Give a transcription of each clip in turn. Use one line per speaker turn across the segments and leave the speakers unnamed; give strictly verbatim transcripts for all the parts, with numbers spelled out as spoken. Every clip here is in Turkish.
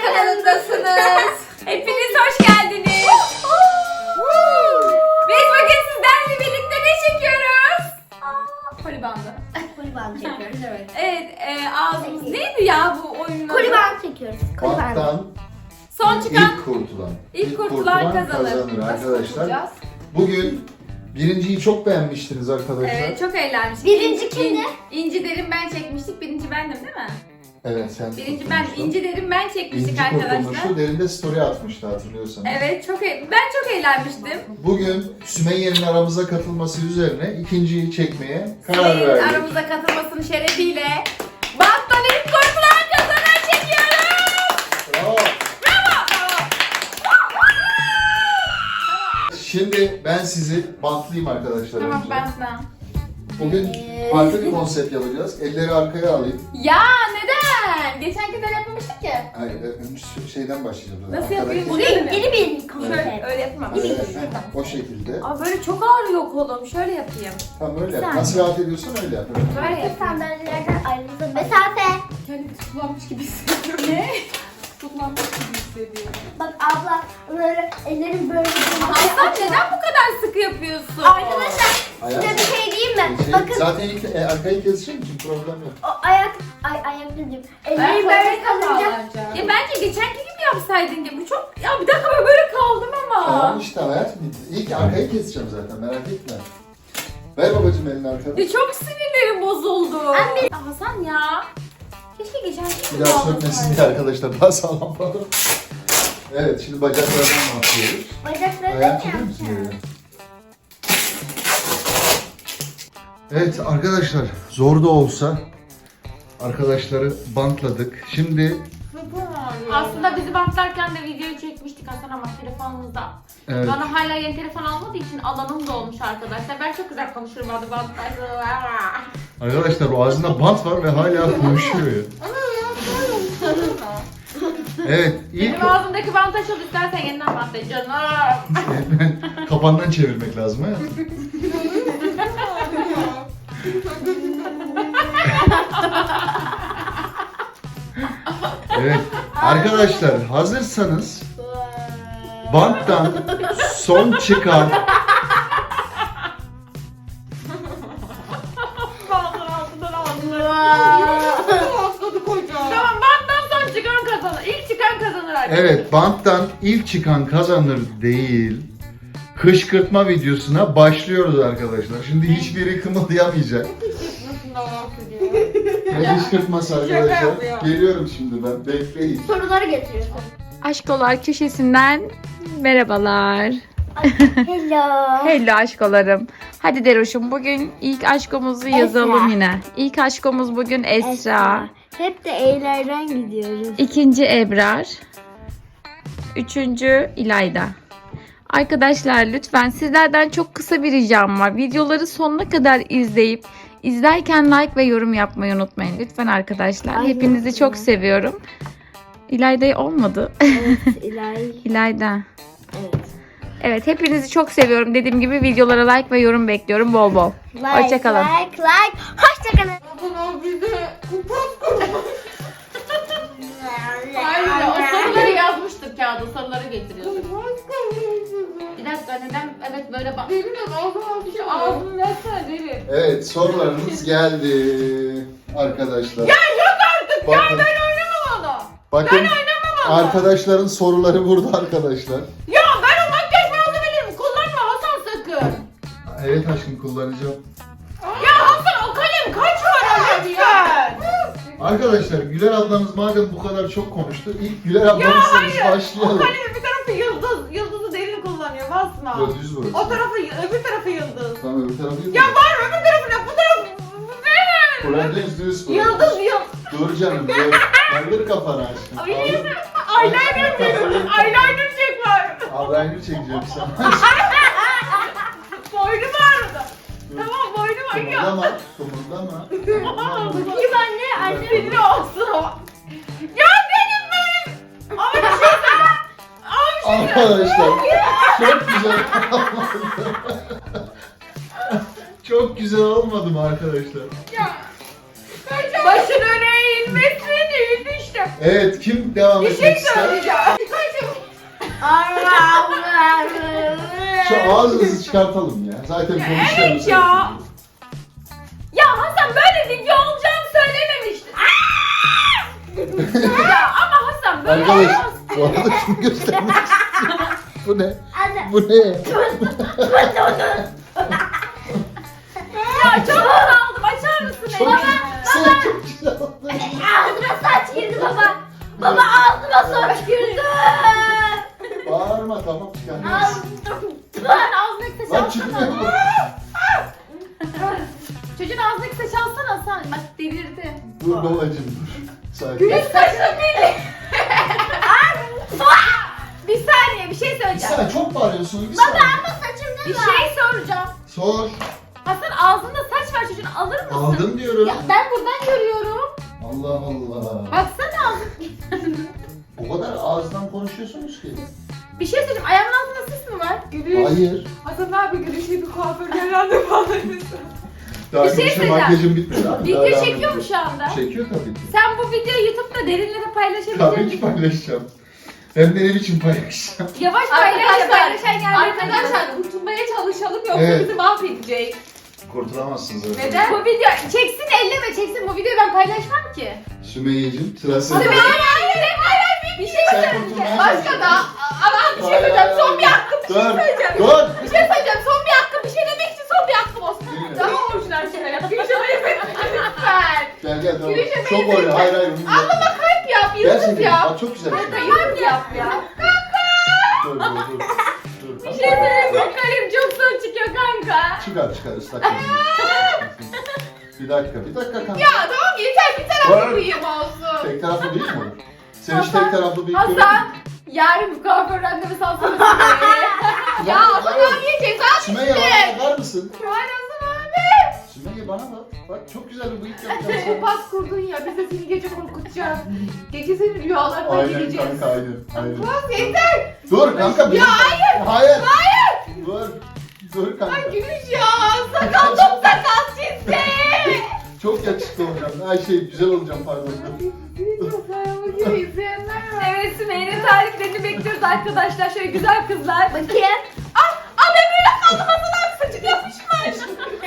kanalındasınız. Hepiniz hoş geldiniz. Biz bugün sizlerle birlikte ne çekiyoruz? Kolibandı.
Koliban çekiyoruz, evet.
Evet, e, ağzımız neydi ya bu oyunun adı?
Koliban çekiyoruz. Koliban.
Banttan
Son çıkan
ilk kurtulan.
ilk kurtulan kazanır. Nasıl
arkadaşlar.
kurtulacağız?
Bugün birinciyi çok beğenmiştiniz arkadaşlar.
Evet, çok eğlenmiştik.
Birinci kimdi?
İnci derim ben çekmiştik. Birinci bendim değil mi?
Evet, sen
Birinci ben,
kurtulmuştun.
İnci derim ben çekmiştik
İnci
arkadaşlar.
kurtulmuştu. Derinde story atmıştı, hatırlıyorsanız.
Evet, çok e- ben çok eğlenmiştim.
Bugün Sümeyye'nin aramıza katılması üzerine ikinciyi çekmeye karar
Sümeyye'nin
verdik.
aramıza katılmasının şerefiyle banttan ilk kurtulan kazanan çekiyoruz.
Bravo. Şimdi ben sizi bantlayayım arkadaşlar
Tamam
önce.
ben sana.
Bugün farklı bir konsept yapacağız. Elleri arkaya alayım.
Ya neden? Geçen kez öyle yapmamıştık ya.
Hayır, e, şeyden başlayacağız.
Nasıl
Arkadaki-
yapayım?
Bu yeni, yeni bir
Şöyle
konsept.
öyle yapamam.
Evet, o şekilde.
Aa böyle çok ağrıyor kolum. Şöyle yapayım.
Tamam, öyle yap.
Sen-
Nasıl rahat ediyorsan öyle yap. Evet.
Böyle
Arka
yapayım.
sandalyelerden ayrıldı. Mesafe.
Kendimi tutuklanmış gibi hissediyorum. Ne? Tutuklanmış gibi hissediyorum.
Bak abla böyle ellerim böyle.
Aslan neden bu kadar sıkı yapıyorsun?
Arkadaşlar size
Ayak-
bir şey diyeyim mi?
Şey,
Bakın
zaten ilk e, arkayı keseceğim için problem yok.
o ayak, ay ayak dedim. Ellerim
Ben
böyle kalınca.
Ya bence geçenki gibi yapsaydın ya. Bu çok... Ya bir dakika ben böyle kaldım ama.
Tamam işte hayatım. İlk arkayı keseceğim zaten, merak etme. Ver babacığım elini arkada.
Ya çok sinirlerim bozuldu.
Anne.
Ya Hasan ya. Keşke geçenki gibi
Bir daha
olmasaydı.
sökmesin diye arkadaşlar, daha sağlam falan. Evet, şimdi bacaklardan başlıyoruz.
Bacakları
Ayağını
da
çekiyor musun
yapacağım.
böyle? Evet arkadaşlar, zor da olsa arkadaşları bantladık. Şimdi
Aslında bizi bantlarken de videoyu çekmiştik Hasan ama telefonumuzda.
evet,
Bana hala yeni telefon almadığı için alanım da olmuş arkadaşlar. Ben çok güzel konuşurum adı bantlarla.
arkadaşlar o ağzında bant var ve hala konuşuyor ya. Evet, ilk
Benim ağzımdaki bantı açıl istersen yeniden bantla canım.
kapandan çevirmek lazım ha. Evet arkadaşlar, hazırsanız banttan son çıkan
Tamam banttan son çıkan kazanır. İlk çıkan kazanır arkadaşlar.
evet banttan ilk çıkan kazanır değil, kışkırtma videosuna başlıyoruz arkadaşlar. Şimdi hiçbiri kımıldayamayacak. Ne kışkırtması arkadaşlar?
yapıyor.
Geliyorum şimdi ben, bekleyin.
Soruları getiriyorsun.
Aşkolar köşesinden merhabalar.
Hello.
Hello aşkolarım. Hadi Deroş'um bugün ilk aşkomuzu yazalım yine. İlk aşkomuz bugün Esra.
Hep de E'lerden gidiyoruz.
İkinci Ebrar. Üçüncü İlayda. Arkadaşlar lütfen sizlerden çok kısa bir ricam var. Videoları sonuna kadar izleyip izlerken like ve yorum yapmayı unutmayın. Lütfen arkadaşlar.
Ay,
Hepinizi çok seviyorum. İlayda olmadı.
Evet, İlay.
İlayda.
Evet.
Evet hepinizi çok seviyorum. Dediğim gibi videolara like ve yorum bekliyorum bol bol.
Like,
Hoşçakalın.
like, like. Hoşçakalın.
Hayır o soruları yazmıştık kağıda, soruları getiriyorduk. Bir dakika neden evet böyle bak. Derin ağzım bir şey ağzını versene derin.
Evet, sorularımız geldi arkadaşlar.
Ya yok artık ya
Bakın.
ben oynamam onu.
Bakın,
Ben oynamam onu.
arkadaşların soruları burada arkadaşlar.
Ya ben o makyaj malzemelerimi kullanma Hasan sakın.
Evet aşkım, kullanacağım.
Ya Hasan o kalem kaç para lütfen.
Arkadaşlar, Güler ablamız madem bu kadar çok konuştu, ilk Güler ablamızla biz
O
başlayalım.
kalemin bir tarafı yıldız, yıldızı derin kullanıyor basma.
Yok, düz burası.
O tarafı öbür tarafı yıldız.
Tamam, öbür tarafı yok.
Ya var öbür tarafı ne bu tarafı ne?
Problem düz düz burası.
Yıldız yıldız.
Dur canım, dur. Kaldır kafanı aşkım.
Ay,
Kaldır.
Eyeliner çek. Eyeliner çek var.
Eyeliner çekeceğim sana.
Boynum ağrıdı. Tamam boynum ağrıyor.
Kımıldama, kımıldama.
Bakayım anne, anne.
Sinir olsun ama. Ya benim benim. Ama bir şey söyle. Ama bir şey
Arkadaşlar, çok güzel olmadı. Çok güzel olmadı mı arkadaşlar?
Ya. Başın öne eğilmesin eğildi işte.
Evet, kim devam
Bir
etmek
şey
ister?
söyleyeceğim.
Şu ağzınızı çıkartalım ya. Zaten konuşuyoruz.
Evet ya. Ya Hasan böyle video olacağını söylememiştin. Ya ama Hasan böyle
Arkadaş,
olmaz.
bu arada şunu göstermek istiyorum. Bu ne?
Anne.
Bu ne?
Ya çok aldım. Açar mısın
Çok
beni?
Sen çok güzel oldun.
Ağzıma saç girdi baba. Baba ağzıma saç girdi.
Bağırma, tamam çıkar.
Lan ağzındaki saç
Lan
alsana.
çıkmıyor mu?
Çocuğun ağzındaki saç alsana Hasan. Bak delirdi.
Dur babacım dur. Sakin.
Güneş saçını deli. Bir saniye bir şey
Bir
söyleyeceğim.
saniye, çok bağırıyorsun. Bir saniye.
Saçımda
Bir
var.
şey soracağım.
Sor.
Hasan ağzında saç var çocuğun alır mısın?
Aldım diyorum.
Ya ben buradan görüyorum.
Allah Allah.
Baksana ağzın.
O kadar ağızdan konuşuyorsunuz ki.
Bir şey söyleyeceğim. Ayağımın altında sis mi var? Gülüş.
Hayır.
Hasan abi gülüşe bir kuaförden randevu alır mısın?
Daha
Bir şey
gülüşe
söyleyeceğim.
makyajım bitmedi abi.
Video
Daha devam
çekiyor mu
ediyoruz.
şu anda?
Çekiyor tabii ki.
Sen bu videoyu YouTube'da derinlere paylaşabilir
Tabii
misin?
ki paylaşacağım. Hem de ne biçim paylaşacağım.
Yavaş paylaş.
Arkadaşlar,
Paylaşan yerlerine
arkadaşlar,
bakın. kurtulmaya çalışalım yoksa
Evet.
bizi mahvedecek.
Kurtulamazsınız zaten.
Neden? Bu video çeksin elleme çeksin. Bu videoyu ben paylaşmam ki.
Sümeyye'cim sıra sende.
Hayır hayır hayır hayır. Bir şey
Sen
söyleyeceğim.
kurtulmaya
Başka
çalışıyorsun.
da. Ama bir şey söyleyeceğim. Son bir hakkım. Bir şey
Dur.
söyleyeceğim.
Dur.
Bir şey söyleyeceğim. Son bir hakkım. Bir şey demek için son bir hakkım olsun.
Yürü.
Daha orijinal şeyler yap. Gülüşe benzetme lütfen.
Gel gel tamam.
Gülüşe
Çok
benzetme.
oynuyor. Hayır hayır. bunu
Ama bak kalp yap. Yusuf
Gerçekten.
yap.
Bak çok güzel. bir şey.
Kalp yap ya.
Dur dur dur. Dur.
Bir şey söyleyeyim. Bak kalem çok son çıkıyor kanka.
Çıkar çıkar ıslak mendil. Bir dakika bir dakika kanka.
Ya tamam yeter bir taraflı
Var.
bıyığım olsun.
Tek taraflı değil mi olur? Sen hiç tek taraflı bir
Hasan yarın bir kuaför randevusu alsana Sümeyye'ye. Ya Hasan abiye ceza
Sümeyye bana bakar mısın?
Hayır Hasan abi.
Sümeyye bana bak. Bak çok güzel bir bıyık yapacağım sana.
Pas kurdun ya biz de seni gece korkutacağız. Gece senin rüyalarına
Aynen
gireceğiz.
kanka aynen. aynen.
Pas yeter.
Dur kanka. benim-
Ya hayır.
Hayır.
Hayır.
Dur. Dur kanka.
Ay gülüş ya. Sakal çok sakal çizdi.
Çok yakışıklı olacağım. Ay şey güzel olacağım pardon.
Evet Sümeyye'nin tariflerini bekliyoruz arkadaşlar. Şöyle güzel kızlar.
Bakayım.
Ah, ah ben böyle kaldım Hasan abi saçını yapışmış.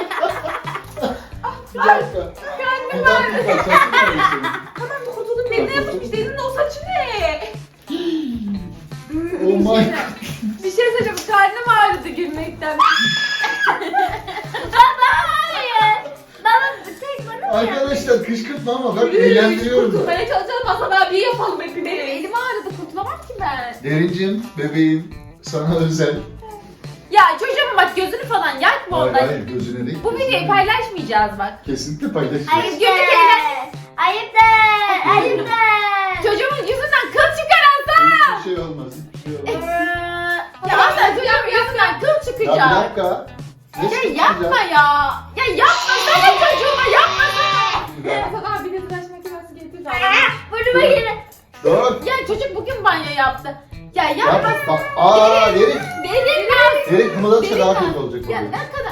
Bir dakika.
Kendim
Bir
var.
dakika. Saçın karıştı.
Hemen kurtuldum. Derine yapışmış. Derinin o saçı ne?
Oh my god.
Bir şey söyleyeceğim. Karnım ağrıdı gülmekten.
Baba hayır. Baba tek bana mı?
Arkadaşlar kışkırtma ama bak eğlendiriyorum.
Kurtulmaya çalışalım. Hasan abiyi yapalım hep. Benim elim ağrıdı. Kurtulamam ki ben.
Derincim, bebeğim sana özel.
Ya çocuğum bak gözünü falan yakma
Hayır
ondan.
hayır gözüne değil.
Bu videoyu paylaşmayacağız bak.
Kesinlikle paylaşacağız.
Ayıp
Günlük
de. Ayıp de. Ayıp de.
Çocuğumun yüzünden kıl çıkar Hasan.
Hiçbir şey olmaz. Hiçbir şey olmaz.
Ya Hasan çocuğumun yüzünden kıl
Ya bir
çıkacak.
dakika. Ne
Ya
çıkacak?
yapma ya. Ya yapma sana çocuğuma yapma sana. Hasan abi bir tıraş makinesi getir de alalım.
Burnuma girin.
Dur.
Ya çocuk bugün banyo yaptı. Ya yapma.
Yapma. Bak. Aa derin.
Derin lan.
Derin kımıldatsa
Derin
daha
lan.
kötü olacak.
Ya
oluyor.
ne kadar.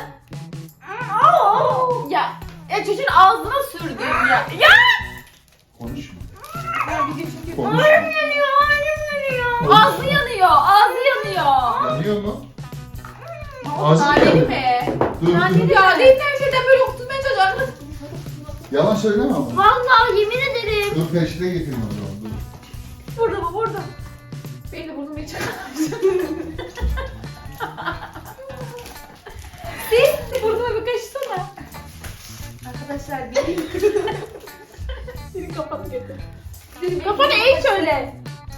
Ya. Ya çocuğun ağzına sürdüm ya. Ya.
Konuşma.
Ya video çekiyor.
Konuşma.
yanıyor, yanıyor. Ağzı yanıyor, ağzı yanıyor.
Yanıyor mu? Ağzı
Naneli
yanıyor.
mi?
Dur
Naneli
dur.
ya. Değil her şeyden böyle okutmaya çalışıyor.
Yalan söyleme ama.
Vallahi yemin ederim.
Dur peşine getirme o zaman. Dur.
Burada mı? Burada. Beni de burnumu hiç Siz burnuma bir kaşısana. Arkadaşlar bir Senin kafanı getir. Senin kafanı eğ şöyle.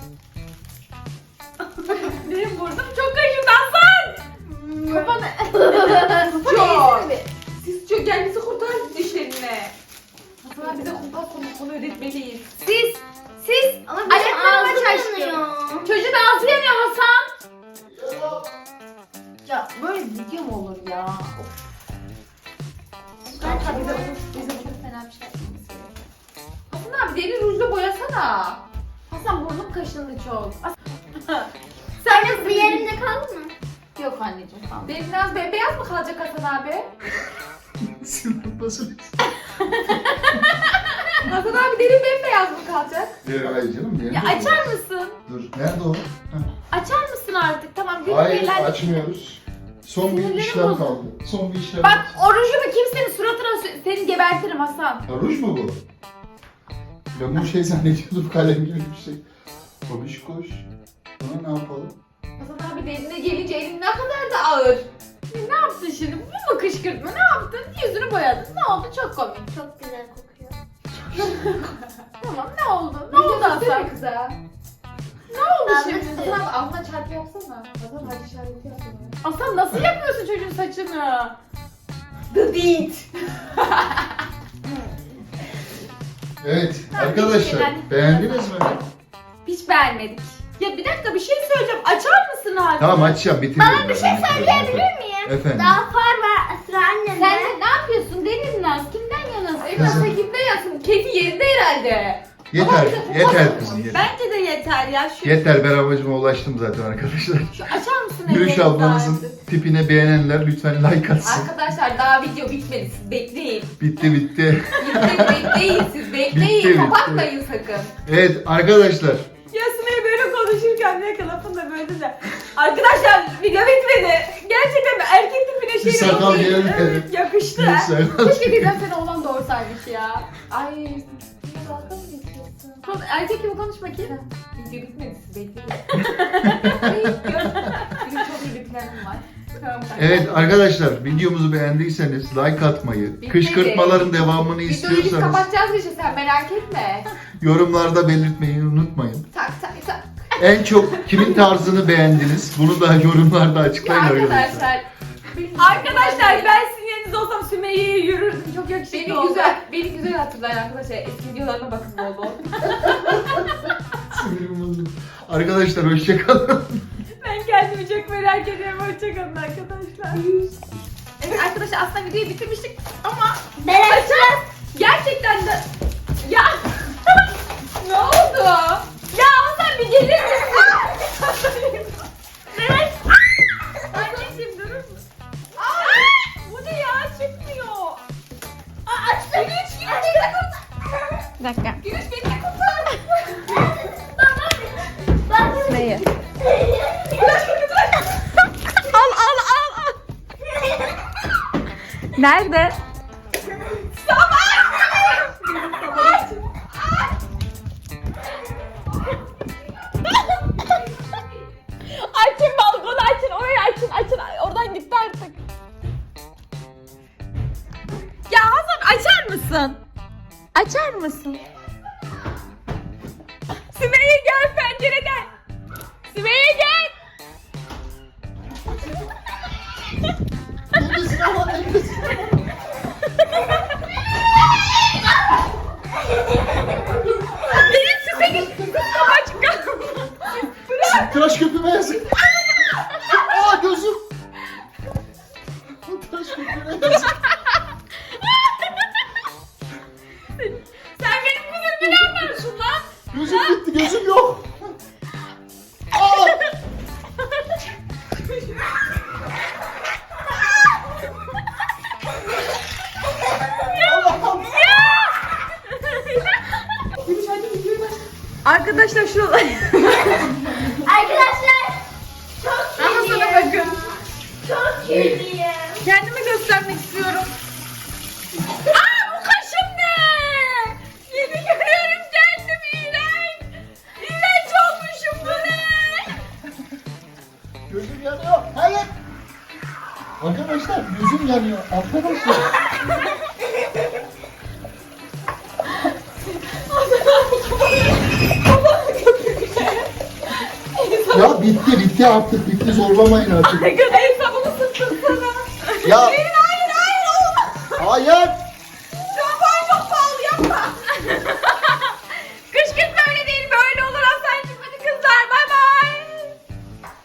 Benim burnum çok kaşındı Hasan. Kafanı. Kafanı eğsene. Siz çok gel bizi kurtarın dişlerine. Hasan abi bize kumpas konusunu öğretmeliyiz. Siz, siz
Ama benim
ayaklarımı
ağzım
aç aşkım.
yanıyor.
Çocuğun ağzı yanıyor Hasan. Ya böyle video mu olur ya? Of. Kanka bize, bize çok fena bir şey yapmamız gerekiyor. Hasan abi deri rujla boyasana. Hasan burnum kaşındı çok. As- Sen
Anne bu yerimde kaldı mı?
Yok anneciğim tamam. Derin biraz beyaz mı kalacak Hasan abi?
Sinir basın.
Hasan abi derin bembeyaz. beyaz mı kalacak?
Hayır hayır canım.
Ya
nerede
açar
o?
mısın?
Dur. Nerede o? Heh.
Açar mısın artık? Tamam gülüm
Hayır
eğlen.
açmıyoruz. Son bir
Sinirlerim
işlem
bozuldu.
kaldı. Son bir işlem.
Bak o rujumu kimsenin suratına sü- seni gebertirim Hasan.
Ha, ruj mu bu? Ben bu şey zannediyordum, kalem gibi bir şey. Koş koş. Buna ne yapalım?
Hasan abi de eline gelince elin ne kadar da ağır. Ne yaptın şimdi? Bu mu kışkırtma? Ne yaptın? Yüzünü boyadın. Ne oldu? Çok komik.
Çok güzel kokuyor.
Tamam ne oldu? Ne oldu Hasan?
kıza.
Ne oldu
Ben de
şimdi?
size-
Hasan abi altına çarpı yapsana. Hasan hadi işareti yapsana. Hasan nasıl yapıyorsun çocuğun saçını? The Deed.
Evet
Ha,
arkadaşlar
bir
beğendiniz mi?
Hiç beğenmedik. Ya bir dakika bir şey söyleyeceğim. Açar mısın abi?
Tamam açacağım bitiriyorum.
Bana bir şey söyleyebilir miyim?
Efendim?
Daha far var sıra annemde.
Sen de ne yapıyorsun Deniz Naz? Kimden yanasın?
Kızım.
Elmas kimden yansın? Keyfi yerinde herhalde.
Yeter,
Ama-
yeter kızım yeter.
Bence de yeter ya. Şu,
Yeter ben amacıma ulaştım zaten arkadaşlar.
şu açar mısın
Gülüş
ellerini
ablanızın
artık?
tipine beğenenler lütfen like atsın.
Arkadaşlar daha video bitmedi. Siz bekleyin.
Bitti bitti.
Bitmedi bekleyin siz bekleyin.
Bitti, bitti.
Kapatmayın sakın.
Evet arkadaşlar.
Ya Sümeyye böyle konuşurken ne lafını da böyle de. Arkadaşlar video bitmedi. Gerçekten erkek tipine
Bir
şey
sakal
yok değil.
gelmedi.
Evet, yakıştı.
Bir sakal.
Keşke birden seni oğlan doğursaymış ya. Ay. Dalga mı geçiyorsun? Kon- Erkek gibi konuş bakayım. Video bitmedi siz bekleyin. Ay, gör- Benim çok iyi bir planım var. Tamam, tamam.
Evet arkadaşlar videomuzu beğendiyseniz like atmayı,
Bitti.
kışkırtmaların devamını
Videoyu biz
istiyorsanız
kapatacağız işte sen merak etme.
yorumlarda belirtmeyi unutmayın.
Tak tak tak.
En çok kimin tarzını beğendiniz? Bunu da yorumlarda açıklayın arkadaşlar.
Arkadaşlar. Arkadaşlar ben sizin yerinizde olsam Sümeyye'ye yürürdüm. Çok yakışıklı
Beni
oldu.
güzel-
Beni güzel hatırlayın arkadaşlar. Eski videolarına bakın bol bol.
Sinirim bozuldu. Arkadaşlar hoşçakalın.
Ben kendimi çok merak ediyorum. Hoşçakalın arkadaşlar. Evet arkadaşlar aslında videoyu bitirmiştik ama
Ben açacağım.
gerçekten de... Ya ne oldu? Ya Hasan bir gelir misin? Evet. Anneciğim durur musun? Aa, bu ne ya? Çıkmıyor. Aa, açtım. Gülüş, Gülüş beni de kurtar.
Bir dakika.
Gülüş beni de kurtar.
Bak.
Neyi?
Gülüş beni de
Al al al al. Nerede? Açın balkonu açın, orayı açın, açın. Oradan gitti artık. Ya Hasan açar mısın? Açar mısın? Sümeyye gel pencereden. Sümeyye gel. Benim Sümeyye kapaç kaldı.
Tıraş köpüğüme yazık. Aa gözüm. Tıraş köpüğüme yazık.
Sen benim kızımı ne yapıyorsun lan?
Gözüm gitti, gözüm yok. Aa! Allah'ım.
Arkadaşlar şuralar.
Arkadaşlar. Çok
Ama sana
kirliyim.
bakın.
Çok kirliyim.
Kendimi göstermek istiyorum. Aa bu kaşım ne? Yeni görüyorum kendimi iğrenç. İğrenç olmuşum bu ne?
Gözüm yanıyor. Hayır. Arkadaşlar gözüm yanıyor. Arkadaşlar. Ya bitti bitti artık bitti zorlamayın artık.
Arkadaşlar sabunu sıktın sana.
Ya
Hayır hayır hayır olmaz.
hayır.